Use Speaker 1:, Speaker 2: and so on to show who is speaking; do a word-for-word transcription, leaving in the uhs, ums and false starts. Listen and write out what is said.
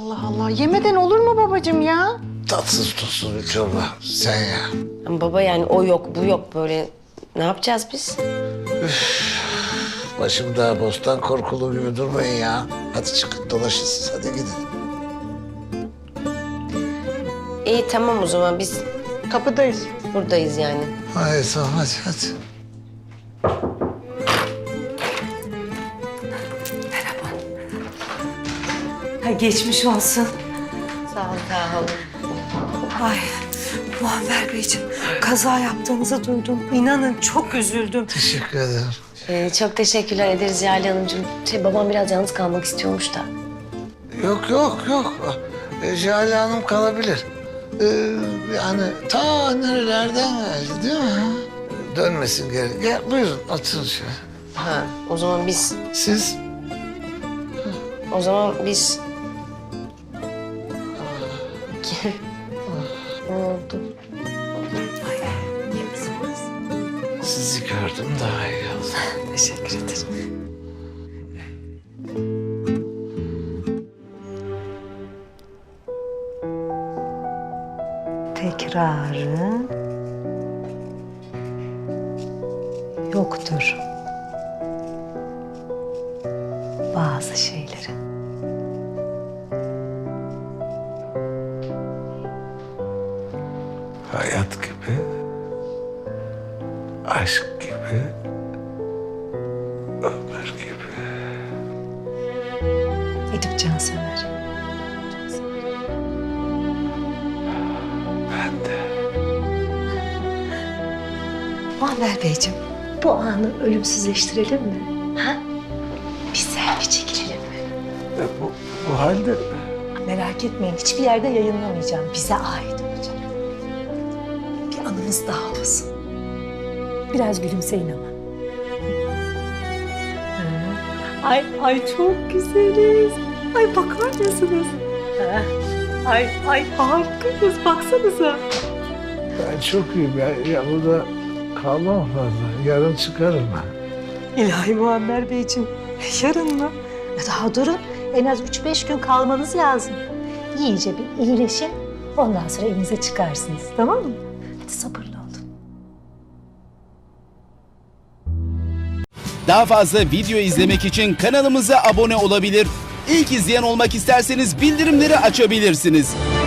Speaker 1: Allah Allah. Yemeden olur mu babacığım ya?
Speaker 2: Tatsız tuzsuz bir çorba. Sen ya.
Speaker 3: Ama baba yani o yok bu yok böyle ne yapacağız biz?
Speaker 2: Başım daha bostan korkulu gibi durmayın ya. Hadi çıkın dolaşın siz. Hadi gidin.
Speaker 3: İyi tamam o zaman biz
Speaker 1: Kapıdayız.
Speaker 3: buradayız yani.
Speaker 2: Hayır tamam hadi hadi.
Speaker 4: Ha, geçmiş olsun.
Speaker 3: Sağ ol sağ ol.
Speaker 4: Ay Muammer Beyciğim, kaza yaptığınızı duydum. İnanın çok üzüldüm.
Speaker 2: Teşekkür ederim.
Speaker 3: Ee, çok teşekkürler ederiz Yali Hanımcığım. Şey, babam biraz yalnız kalmak istiyormuş da.
Speaker 2: Yok yok yok. E, Jale Hanım kalabilir. Ee, yani ta nerelerden geldi değil mi? Dönmesin geri. Gel buyurun oturun şöyle.
Speaker 3: Ha o zaman biz
Speaker 2: Siz?
Speaker 3: o zaman biz ne oldu?
Speaker 4: İyi misiniz?
Speaker 2: Sizi gördüm daha iyi oldu.
Speaker 4: Teşekkür ederim. Tekrarı yoktur bazı şeylerin.
Speaker 2: Hayat gibi, aşk gibi, ömür gibi.
Speaker 4: Edip Cansever.
Speaker 2: Ben de.
Speaker 4: Muammer Beyciğim, bu anı ölümsüzleştirelim mi? Ha? Bir selfie çekilelim mi?
Speaker 2: E, bu, bu halde
Speaker 4: Merak etmeyin, hiçbir yerde yayınlamayacağım. Bize ait olacak. Bir anımız daha olsun. Biraz gülümseyin ama. Ha. Ay, ay çok güzeliz. Ay bakar mısınız? Ha. Ay, ay harikayız. Baksanıza.
Speaker 2: ben çok iyiyim. Ya, ya burada kalmam fazla. Yarın çıkarım ben.
Speaker 4: İlahi Muammer Beyciğim, yarın mı? Daha durun, en az üç beş gün kalmanız lazım. İyice bir iyileşin, ondan sonra evinize çıkarsınız, tamam mı? Hadi sabırlı olun.
Speaker 5: Daha fazla video izlemek için kanalımıza abone olabilir. İlk izleyen olmak isterseniz bildirimleri açabilirsiniz.